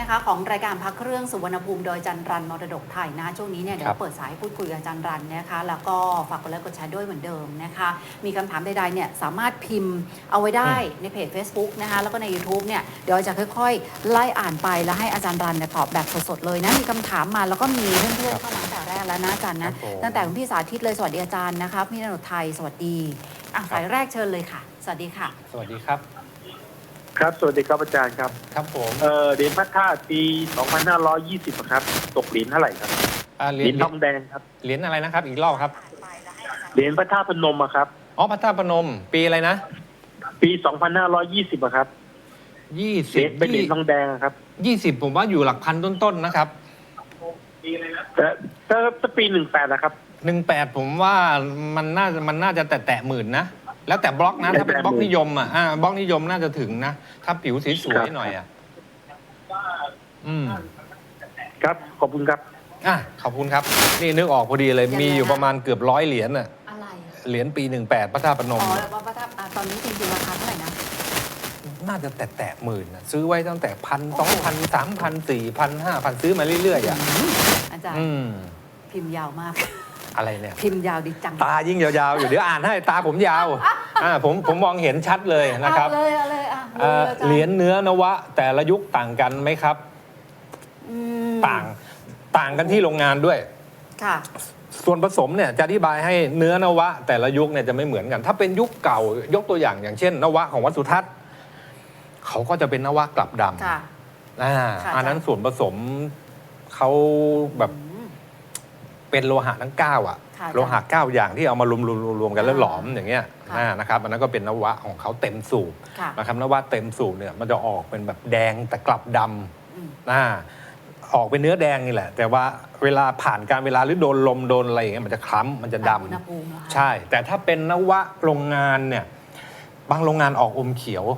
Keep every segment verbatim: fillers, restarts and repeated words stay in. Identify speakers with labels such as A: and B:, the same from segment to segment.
A: นะคะของรายการพักเครื่องสุวรรณภูมิโดยจันรันมรดกไทยนะช่วงนี้เนี่ยเดี๋ยวเปิดสายพูดคุยกับจันรันนะคะแล้วก็ฝากกดไลค์กดแชร์ด้วยเหมือนเดิมนะคะมีคำถามใดๆเนี่ยสามารถพิมพ์เอาไว้ได้ในเพจ Facebook นะคะแล้วก็ใน YouTube เนี่ยเดี๋ยวจะค่อยๆไล่อ่านไปแล้วให้อาจารย์รันเนี่ยตอบแบบสดๆเลยนะมีคำถามมาแล้วก็มีเพื่อนๆเข้ามาตั้งแต่แรกแล้วนะอาจารย์นะตั้งแต่คุณพี่สาธิตเลยสวัสดีอาจารย์นะคะพี่นนท์ไทยสวัสดีอ่ะสายแรกเชิญเลยค่ะสวัสดีค่ะ
B: สวัสดีครับ
C: ครับสวัสดีครับอาจารย์ครับ
B: ครับผม
C: เออเหรียญพระธาตุปีสองพันห้าร้อยยี่สิบครับตกเหรียญเท่าไหร่ครับเหรียญทองแดงครับ
B: เหรียญอะไรนะครับอีกรอบครับ
C: เหรียญพระธาตุพนมครับ
B: อ๋อพระธาตุพนมปีอะไรนะ
C: ปีสองพันห้าร้อยยี่สิบครับ
B: ยี่สิบ
C: เป็นเหรียญทองแดงครับ
B: ยี่สิบผมว่าอยู่หลักพันต้นๆนะครับ
C: แต่ถ้าปีหนึ่งแปดนะครับ
B: หนึ่งแปดผมว่ามันน่ามันน่าจะแตะแตะหมื่นนะแล้วแต่บล็อกนะถ้าเป็นบล็อกนิยมอ่ะอ่าบล็อกนิยมน่าจะถึงนะถ้าผิวสีสวยหน่อยอ่ะอืม
C: ครับขอบคุณครับ
B: อ่ะขอบคุณครับนี่นึกออกพอดีเลยมีอยู่ประมาณเกือบร้อยเหรียญอ่ะ
A: อะไร
B: เหรียญปีหนึ่งแปดพระธาตุพนม
A: อ๋อแล้วพระธาตุตอนนี้จริงๆราคาเท่าไหร่นะ
B: น่าจะแตะแตะหมื่นนะซื้อไว้ตั้งแต่พันสองพันสามพันสี่พันห้าพันซื้อมาเรื่อยๆอ่ะ
A: อาจารย์พิมพ์ยาวมาก
B: อะไรเนี่ย
A: พิมพ์ยาวดิจัง
B: ตายิ่งยาวๆอยู่เดี๋ยวอ่านให้ตาผมยาวอ่าผมผมมองเห็นชัดเลยนะครับ
A: เลยเลยอ่ะ
B: เหรียญเนื้อนวะแต่ละยุคต่างกันไหมครับต่างต่างกันที่โรงงานด้วย
A: ค่ะ
B: ส่วนผสมเนี่ยจะอธิบายให้เนื้อนวะแต่ละยุคเนี่ยจะไม่เหมือนกันถ้าเป็นยุคเก่ายกตัวอย่างอย่างเช่นนวะของวัดสุทัศน์เขาก็จะเป็นนวะกลับดำอ่าอันนั้นส่วนผสมเขาแบบเป็นโลหะทั้งเก้าอ่ะโลหะเก้าอย่างที่เอามารวมรวมกันแล้วหลอมอย่างเงี้ยนะครับอันนั้นก็เป็นนวะของเขาเต็มสูบนะครับนวะเต็มสูบเนี่ยมันจะออกเป็นแบบแดงแต่กลับดำนะออกเป็นเนื้อแดงนี่แหละแต่ว่าเวลาผ่านการเวลาหรือโดนลมโดนอะไรอย่างเงี้ยมันจะคล้ำมันจะดำใช่แต่ถ้าเป็นนวะโรงงานเนี่ยบางโรงงานออกอมเขีย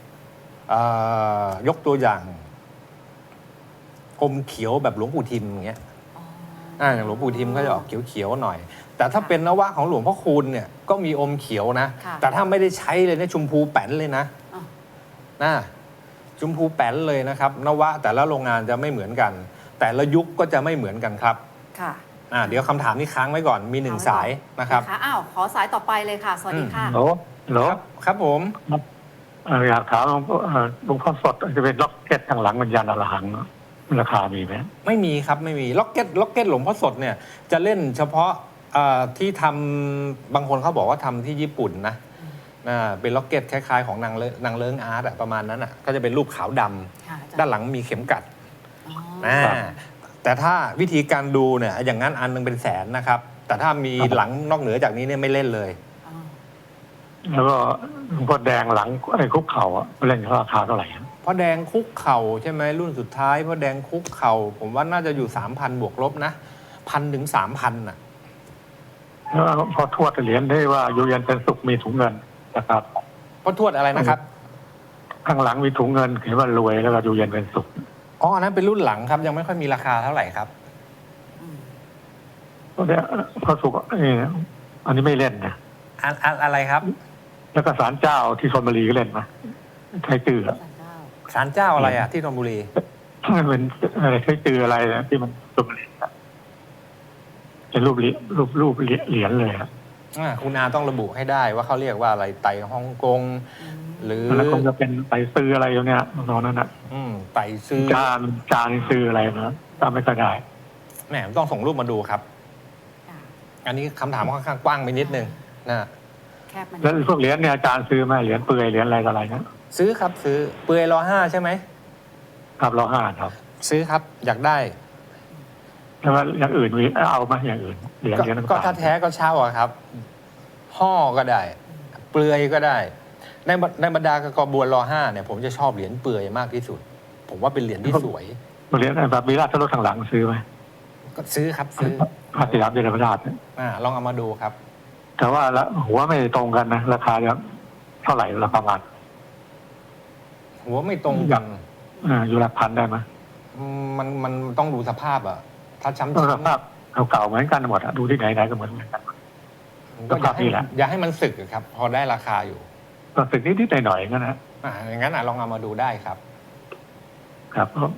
B: วยกตัวอย่างอมเขียวแบบหลวงปู่ทิมอย่างเงี้ยอ่าอย่างหลวงปู่ทิมเขาจะออกเขียวๆหน่อยแต่ถ้าเป็นนวะของหลวงพ่อคูณเนี่ยก็มีอมเขียวนะแต่ถ้าไม่ได้ใช้เลยเนี่ยชมพูแป้นเลยนะนะชมพูแป้นเลยนะครับนวะแต่ละโรงงานจะไม่เหมือนกัน แต่ละยุคก็จะไม่เหมือนกันครับ
A: ค่ะ
B: อ่าเดี๋ยวคำถามนี้ค้างไว้ก่อนมีหนึ่งสายนะครับ
A: อ้าวขอสายต่อไปเลยค่ะสวัสดีค่ะ
C: โหลโหล
B: ครับผม
C: อยากถามหลวงพ่อสดจะเป็นล็อกเก็ตทางหลังวิญญาณอรหังราคามีไหม
B: ไม่มีครับไม่มีล็อกเก็ตล็อกเก็ตหลวงพ่อสดเนี่ยจะเล่นเฉพาะที่ทำบางคนเขาบอกว่าทำที่ญี่ปุ่นนะเป็นล็อกเก็ตคล้ายๆของนางเลนางเลิ้งอาร์ตประมาณนั้นอ่ะก็จะเป็นรูปขาวดำด้านหลังมีเข็มกัดแต่ถ้าวิธีการดูเนี่ยอย่างนั้นอันนึงเป็นแสนนะครับแต่ถ้ามีหลังนอกเหนือจากนี้เนี่ยไม่เล่นเลย
C: แล้วก็หลวงพ่อแดงหลังไอ้คุกเข่าอ่ะเล่นราคาเท่าไหร่
B: พ่อแดงคุกเข่าใช่ไหมรุ่นสุดท้ายพ่อแดงคุกเข่าผมว่าน่าจะอยู่สามพันบวกลบนะพันถึงสามพันอ่ะ
C: แล้วพอทวดเหรียญได้ว่าอยู่เย็นเป็นสุขมีถุงเงินนะครับ
B: พ่อทวดอะไรนะครับ
C: ข้างหลังมีถุงเงินเขียนว่ารวยแล้วก็อยู่เย็นเป็นสุข
B: อ๋ออันนั้นเป็นรุ่นหลังครับยังไม่ค่อยมีราคาเท่าไหร่ครับ
C: เพราะเนี้ยพอสุขอันนี้ไม่เล่นนะ
B: อะไรครับ
C: แล้วก็ศาลเจ้าที่ชลบุรีก็เล่นนะใช้ตือ
B: ศาลเจ้าอะไรอ่ะที่ชลบุรี
C: มันเป็นอะไรใช้ตืออะไรนะที่มันชลบุรีเป็นรูปรูปรูปเหรียญเลยครับ
B: คุณอาต้องระบุให้ได้ว่าเขาเรียกว่าอะไรไต่ฮ่องกงหรือ
C: แล้วคงจะเป็นไต่ซื้ออะไรอย่างเงี้ยนอนนั่นนะ
B: ไต่ซื้อ
C: จานจานซื้ออะไรนะจำไม่ค่อยได้
B: แหมต้องส่งรูปมาดูครับอันนี้คำถามค่อนข้างกว้างไปนิดนึงนะ
C: แล้วพวกเหรียญเนี่ยอาจารย์ซื้อไหมเหรียญเปลือยเหรียญอะไรอะไรนะ
B: ซื้อครับซื้อเปลือยรอห้าใช่ไหม
C: ครับรอห้าครับ
B: ซื้อครับอยากได้
C: แล้วอย่างอื่นมีเอาไหมอย่างอื่นเหรียญเหรียญ
B: ก็ถ้าแท้ก็เช่าอะครับห่อก็ได้เปลือยก็ได้ในในบรรดากกบัวรอห้าเนี่ยผมจะชอบเหรียญเปลือยมากที่สุดผมว่าเป็นเหรียญที่สวย
C: เหรียญแบบมีราชรถทางหลังซื้อไหม
B: ก็ซื้อครับซื้อ
C: พระสยามเยาวราช
B: อ่าลองเอามาดูครับ
C: แต่ว่าละหัวไม่ตรงกันนะราคาจะเท่าไหร่ราคาบาท
B: หัวไม่ตรงกัน
C: อ่าอยู่หลักพันได้ไหม
B: มันมันต้องดูสภาพอ่ะถ้าช้ำ
C: ๆสภาพเก่าๆเหมือนกันหมดอะดูที่ไหนไหนก็เหมือนกัน
B: ก็อยากให้อยากให้มันสึกครับพอได้ราคาอยู่
C: ก็สึกนิดๆหน่อยๆงั้นนะ
B: อ่าอย่างนั้นอ่ะลองเอามาดูได้ครับ
C: ครับ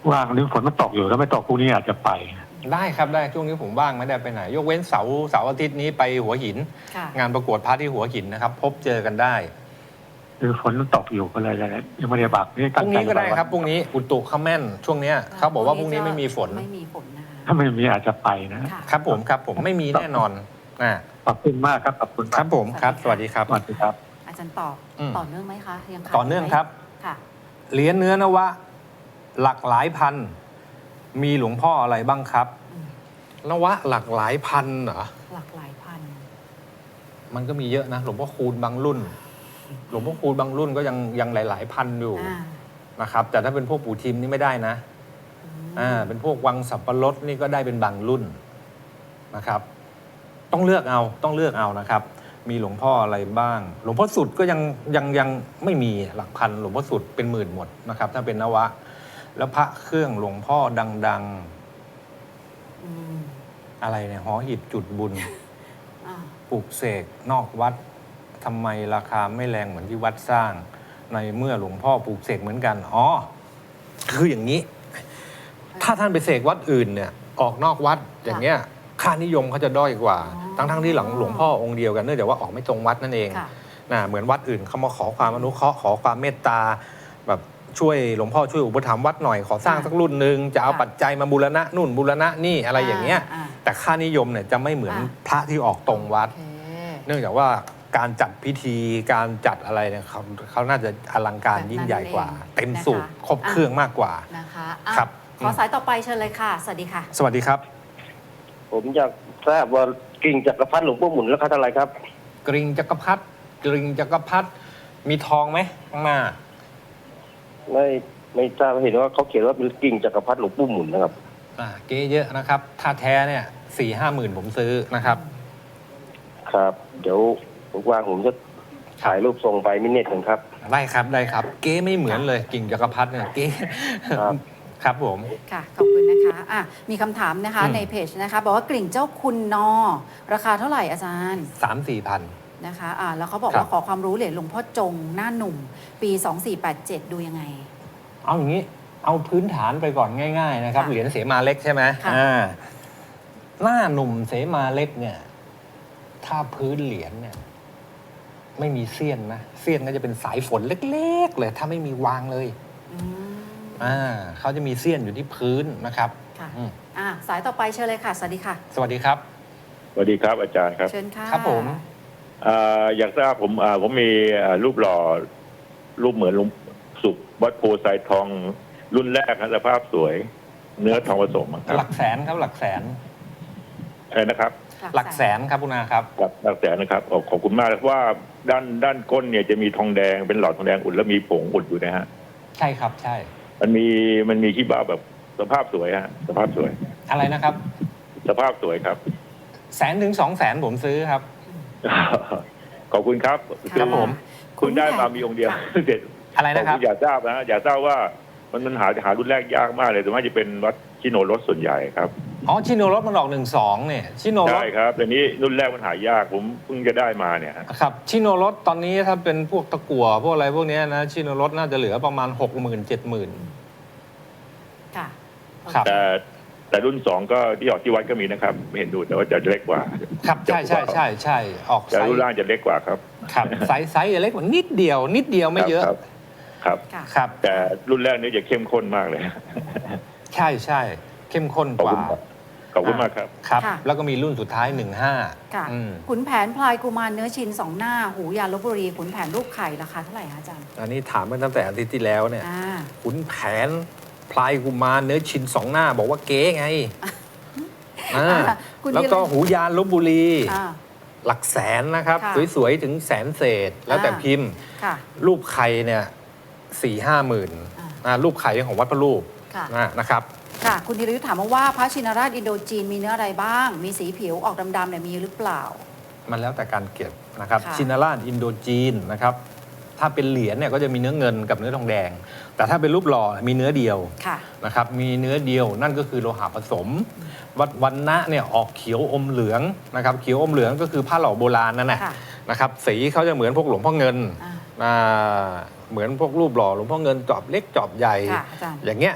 C: ว่างนี่ฝนมันตกอยู่ถ้าไม่ตกพรุ่งนี้อาจจะไป
B: ได้ครับได้ช่วงนี้ผมว่างไม่ได้ไปไหน ยกเว้นเสาร์เสาร์อาทิตย์นี้ไปหัวหิน
A: ค่ะ
B: งานประกวดพระที่หัวหินนะครับ พบเจอกันได้
C: คือฝนมันตกอยู่ก็เลยยังไม่ได้บักนี่
B: พรุ่งนี้ก็ได้ครับพรุ่งนี้อุตุเขาแม่นช่วงเนี้ยเขาบอกว่าพรุ่งนี้ไม่มีฝน
A: ไม่มีฝนนะคะ
C: ถ้าไม่มีอาจจะไปนะ
A: ค่ะ
B: ครับผมครับผมไม่มีแน่นอนอ่า
C: ขอบคุณมากครับขอบคุณ
B: ครับผมครับสวัสดีครับ
C: สวัสดีครับ
A: อาจารย์ตอบ
B: อืม
A: ต่อเนื่องไหมคะยังขาด
B: ต่อเนื่องครับ
A: ค่ะ
B: เหรียญเนื้อนวะ หลักหลายพัน มีหลวงพ่ออะไรบ้างครับ
A: อืม
B: นวะหลักหลายพันเหรอ
A: หลักหลายพัน
B: มันก็มีเยอะนะหลวงพ่อคูณบางรุ่น หลวงพ่อคูณบางรุ่นก็ยังยังหลาย ๆ พันอยู่
A: อ่า
B: นะครับ แต่ถ้าเป็นพวกปู่ทิมนี่ไม่ได้นะ
A: อืม
B: อ่าเป็นพวกวังสับปะรดนี่ก็ได้เป็นบางรุ่นนะครับ ต้องเลือกเอาต้องเลือกเอานะครับ มีหลวงพ่ออะไรบ้าง หลวงพ่อสุดก็ยังยังยังไม่มีหลักพันหลวงพ่อสุดเป็นหมื่นหมดนะครับ ถ้าเป็นนวะ แล้วพระเครื่องหลวงพ่อดัง
A: อืม
B: ๆ อะไรเนี่ยหอหีบจุดบุญ
A: อ่า
B: ปลูกเสกนอกวัดทำไมราคาไม่แรงเหมือนที่วัดสร้าง ในเมื่อหลวงพ่อปลูกเสกเหมือนกันอ๋อคืออย่างนี้ ถ้าท่านไปเสกวัดอื่นเนี่ยออกนอกวัดอย่างเงี้ยค่านิยมเขาจะด้อยกว่า ทั้งทั้งๆที่หลังหลวงพ่อองค์เดียวกันเนื่องจากว่าออกไม่ตรงวัดนั่นเอง
A: ค่ะ
B: นะเหมือนวัดอื่นเขามาขอความอนุเคราะห์ขอความเมตตาแบบช่วยหลวงพ่อช่วยอุปถัมภ์วัดหน่อยขอสร้างสักรุ่นหนึ่งจะเอาปัจจัยมาบูรณะนู่นบูรณะนี่อะไรอย่างเงี้ย
A: อ่า
B: แต่ค่านิยมเนี่ยจะไม่เหมือน
A: อ่า
B: พระที่ออกตรงวัด
A: โอเค
B: เนื่องจากว่าการจัดพิธีการจัดอะไรเนี่ยเขาเขาน่าจะอลังการยิ่งใหญ่กว่า เต็มสูบครบเครื่องมากกว่า
A: นะคะอ่ะ
B: ครับ
A: ขอสายต่อไปเชิญเลยค่ะ สวัสดีค่ะ
B: สวัสดีครับ
D: ผมอยากทราบว่ากิ่งจักรพรรดิหลวงพ่อหมุนราคาเท่าไหร่ครับ
B: กริงจักรพรรดิกริงจักรพรรดิมีทองไหมข้างหน้า
D: ไม่ไม่ทราบเห็นว่าเขาเขียนว่าเป็นกิ่งจักรพรรดิหลวงพ่อหมุนนะครับ
B: อ่าเก๊เยอะนะครับ ถ้าแท้เนี่ยสี่ห้าหมื่นผมซื้อนะครับ
D: ครับ เดี๋ยวว่างๆผมจะถ่ายรูปส่งไปมินเน็ตกันครับ
B: ได้ครับได้ครับ เก๊ไม่เหมือนเลยกิ่งจักรพรรดิเนี่ยเก๊
D: ครับ
B: ครับผม
A: ค่ะ ขอบคุณนะคะอ่ะมีคำถามนะคะ
B: อืม
A: ในเพจนะคะ บอกว่ากลิ่งเจ้าคุณนอ ราคาเท่าไหร่อาจารย์
B: สามสี่พัน
A: นะคะอ่ะแล้วเขาบอก
B: ครับ
A: ว่าขอความรู้เหรียญหลวงพ่อจงหน้าหนุ่ม ปี สองสี่แปดเจ็ด ดูยังไง
B: เอาอย่างนี้เอาพื้นฐานไปก่อนง่าย ๆ นะครับ
A: ค่ะ
B: เหรียญเสมาเล็กใช่ไหม
A: ค่ะ
B: อ่าหน้าหนุ่มเสมาเล็กเนี่ย ถ้าพื้นเหรียญเนี่ย ไม่มีเสี้ยนนะเสี้ยนก็จะเป็นสายฝนเล็ก ๆ เลย ถ้าไม่มีวางเลย
A: อืม
B: อ่าเขาจะมีเสี้ยนอยู่ที่พื้นนะครับ
A: ค่ะ
B: อืม
A: อ่ะสายต่อไปเชิญเลยค่ะ สวัสดีค่ะ
B: สวัสดีครับ
E: สวัสดีครับอาจารย์ครับ
A: เชิญค่ะ
B: ครับผม
E: อ่าอยากทราบผมอ่าผมมีอ่ารูปหล่อรูปเหมือนหลุงสุขวัดโพไซทองรุ่นแรกครับสภาพสวย เนื้อทองผสมอะค
B: ห
E: รั
B: ลั
E: บ
B: กแสนครับหลักแสน
E: ใช่นะครับ
B: หลักแสนครับคุณอาครับ
E: หลักหลักแสนนะครับขอบขอบคุณมากเพราะว่าด้านด้านก้นเนี่ยจะมีทองแดงเป็นหลอดทองแดงอุดแล้วมีผงอุดอยู่นะฮะ
B: ใช่ครับใช่
E: มันมีมันมีขี้บ้าแบบสภาพสวยฮะสภาพสวย
B: อะไรนะครับ
E: สภาพสวยครับ
B: แสนถึงสองแสนผมซื้อครับ
E: ขอบคุณครับ
B: ครับผม
E: คุณได้มามีองค์เดียว
A: ค่ะ
E: เด็ด
B: อะไรนะครับ
E: ผมอยากทราบนะอยากทราบว่ามันมันหาหารุ่นแรกยากมากเลยแต่ว่าจะเป็นวัดชิโนรสส่วนใหญ่ครับ
B: อ๋อชิโนรสมันออกหนึ่งสองเนี่ยชิโนร
E: ใช่
B: ส
E: ครับแต่นี้รุ่นแรกมันหายากผมเพิ่งจะได้มาเนี่ย
B: ครับชิโนรสตอนนี้ถ้าเป็นพวกตะกั่วพวกอะไรพวกเนี้ยนะชิโนรสน่าจะเหลือประมาณหกหมื่นเจ็ดหมื่น
A: ค่ะ
B: ครับ
E: แต่แต่รุ่นสองก็ที่ออกที่วัดก็มีนะครับไม่เห็นดูแต่ว่าจะเล็กกว่า
B: ครับใช่ใช่ใช่ใช่ออก
E: แต่
B: ไซ
E: รุ่น
B: ส์
E: ล่างจะเล็กกว่าครับ
B: ครับไซส์ไซส์จะเล็กกว่านิดเดียว นิดเดียวไม่เยอะ
E: ครับครับ
A: ค่ะ
B: ครับ
E: แต่รุ่นแรกนี่จะเข้มข้นมากเลย
B: ใช่ใช่เข้มข้น
E: ขอบ
B: กว่า
E: คุณครับขอบคุณมากครับ
B: ครับ
A: ค่ะ
B: แล้วก็มีรุ่นสุดท้ายหนึ่งห้า
A: ค่ะ
B: อืม
A: ขุนแผนพลายกุมารเนื้อชินสองหน้า หูยาลบบุรี ขุนแผนรูปไข่ราคาเท่าไหร่คะอาจารย์
B: อันนี้ถามมาตั้งแต่อาทิตย์ที่แล้วเนี่ย
A: อ่า
B: ขุนแผนพลายกุมารเนื้อชินสองหน้า บอกว่าเก๊ไงอ่า
A: คุณ
B: แล้วก็
A: ธีร
B: หูยานลบบุรี
A: อ่า
B: หลักแสนนะครับ
A: ค่ะ
B: สวยๆ ถึงแสนเศษ แล้วแต่
A: อ่า
B: พิมพ์
A: ค่ะ
B: รูปไข่เนี่ยสี่ห้าหมื่น
A: อ่า
B: อ่ารูปไข่ของวัดพระรูป
A: ค่ะ
B: นะนะครับ
A: ค่ะ คุณธีรยุทธ์ถามมาว่าพระชินราชอินโดจีนมีเนื้ออะไรบ้าง มีสีผิวออกดำๆเนี่ยมีหรือเปล่า
B: มันแล้วแต่การเก็บนะครับ
A: ค่ะ
B: ชินาราชอินโดจีนนะครับ ถ้าเป็นเหรียญเนี่ยก็จะมีเนื้อเงินกับเนื้อทองแดง แต่ถ้าเป็นรูปหล่อมีเนื้อเดียว
A: ค่ะ
B: นะครับ มีเนื้อเดียวนั่นก็คือโลหะผสม วัดวันนะเนี่ยออกเขียวอมเหลืองนะครับ เขียวอมเหลืองก็คือผ้าหล่อโบราณนั่นแหละ
A: ค่ะ
B: นะครับ สีเขาจะเหมือนพวกหลวงพ่อเงิน
A: อ่า
B: อ่าเหมือนพวกรูปหล่อหลวงพ่อเงินจอบเล็กจอบใหญ่
A: ค่ะอาจารย์
B: อย่างเงี้ย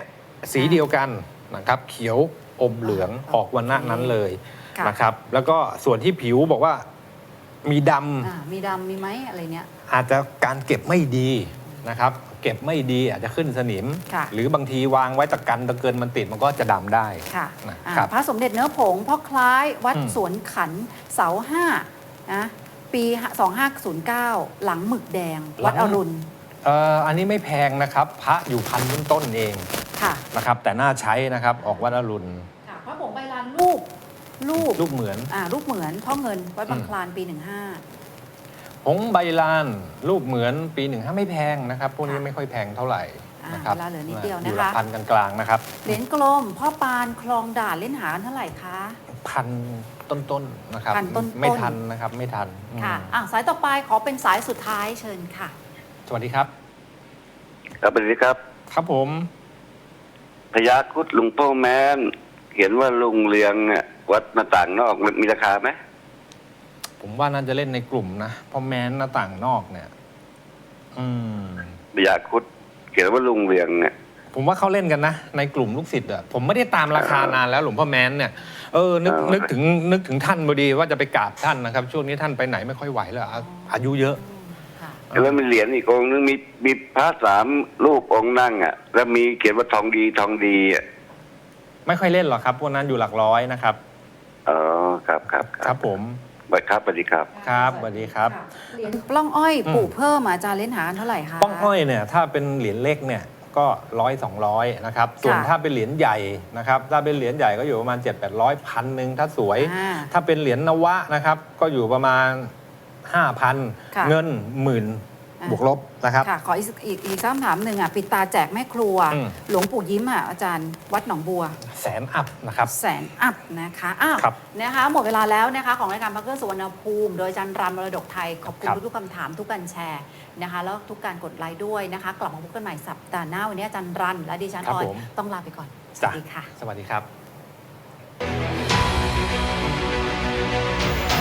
B: สีเดียวกันนะครับเขียวอมเหลืองออกวันหน้านั้นเลย
A: ค่ะ
B: นะครับแล้วก็ส่วนที่ผิวบอกว่ามีด
A: อ่ามีดำมีไหมอะไรเนี้ย
B: ำอาจจะการเก็บไม่ดีนะครับเก็บไม่ดีอาจจะขึ้นสนิม
A: ค่ะ
B: หรือบางทีวางไว้ตะกันตะเกินมันติดมันก็จะดำได้
A: ค่ะ
B: นะ
A: อ่า
B: ครับ
A: พระสมเด็จเนื้อผงพ่อคล้ายวัด
B: อืม
A: สวนขันเสาห้านะปีสองห้าศูนย์เก้าหลังหมึกแดง วัดอรุณ
B: เอ่ออันนี้ไม่แพงนะครับพระอยู่พันต้นๆเอง
A: ค่ะ
B: นะครับแต่น่าใช้นะครับออกวัดอรุณ
A: ค่ะพระผงใบลานรูปรูป
B: รูปเหมือน
A: อ่ารูปเหมือนพ่อเงินวัดบาง
B: อืม
A: คลานปีหนึ่งห้า
B: ผงใบลานรูปเหมือนปีหนึ่งห้าไม่แพงนะครับพวกนี้ไม่ค่อยแพงเท่าไหร่
A: อ่า
B: นะครับ
A: เวลาเหลือนิดเดียว
B: อ
A: นะ
B: ยู่หลั
A: คะ
B: กพันกลางๆนะครับ
A: เหรียญกลมพ่อปานคลองด่านเล่นหากันเท่าไหร่คะ
B: พันต้นๆนะครับ
A: พันต้นๆ
B: ไม่ทันนะครับไม่ทันอืม
A: ค่ะอ่ะสายต่อไปขอเป็นสายสุดท้ายเชิญค่ะ
B: สวัสดีครับ
F: ครับสวัสดีครับ
B: ครับผม
F: พญาครุดหลวงพ่อแม้นเขียนว่าลุงเรืองเนี่ยวัดหน้าต่างนอกมันมีราคาไหม
B: ผมว่าน่าจะเล่นในกลุ่มนะเพราะแม้นหน้าต่างนอกเนี่ย อืม
F: พญาครุดเขียนว่าลุงเรืองเนี่ย
B: ผมว่าเขาเล่นกันนะ ในกลุ่มลูกศิษย์อะผมไม่ได้ตามราคานานแล้วหลวงพ่อแม้นเนี่ยเออนึก
F: เออ
B: นึกถึงนึกถึงท่านพอดีว่าจะไปกราบท่านนะครับ ช่วงนี้ท่านไปไหนไม่ค่อยไหวแล้วอาอายุเยอะ
A: ค่ะ
F: แล้วมีเหรียญอีกองค์นึงมีมีพระสามรูปองค์นั่งอ่ะ แล้วมีเขียนว่าทองดีทองดีอ่ะ
B: ไม่ค่อยเล่นหรอกครับพวกนั้นอยู่หลักร้อยนะครับ
F: อ๋อครับครับ
B: ครับผม
F: บัดครับสวัสดีครับ
B: ครับสวัสดีครับ
A: ะเหรียญปล้องอ้อย
B: อืม
A: ปลูกเพิ่มอาจารย์เล่นหากันเท่าไหร่คะ
B: ป้องอ้อยเนี่ยถ้าเป็นเหรียญเล็กเนี่ยก็ร้อยสองร้อยนะครับส่วน
A: ค่ะ
B: ถ้าเป็นเหรียญใหญ่นะครับถ้าเป็นเหรียญใหญ่ก็อยู่ประมาณเจ็ดแปดร้อยพันหนึ่งถ้าสวย
A: อ่า
B: ถ้าเป็นเหรียญนวะนะครับก็อยู่ประมาณห้าพัน
A: ค่ะ
B: เงินหมื่น
A: อ่า
B: บวกลบนะครับ
A: ค่ะ ขออีกอีกอีกคำถามหนึ่งอ่ะปิดตาแจกแม่ครัว
B: อืม
A: หลวงปู่ยิ้มอ่ะอาจารย์วัดหนองบัว
B: แสนอัพนะครับ
A: แสนอัพนะคะอ้าว
B: ครับ
A: นะคะหมดเวลาแล้วนะคะของรายการพักเกอร์สุวรรณภูมิ โดยอาจารย์รันมรดกไทย ขอบคุณ
B: ครับ
A: ทุกๆคำถามทุกการแชร์นะคะแล้วทุกการกดไลค์ด้วยนะคะ กลับมาพบกันใหม่สัปดาห์หน้าวันนี้อาจารย์รันและดิฉัน
B: ครั
A: อบ อย
B: ผม
A: ต้องลาไปก่อน ส
B: จ้ะ
A: วัสดีค่ะ
B: สวัสดีครับ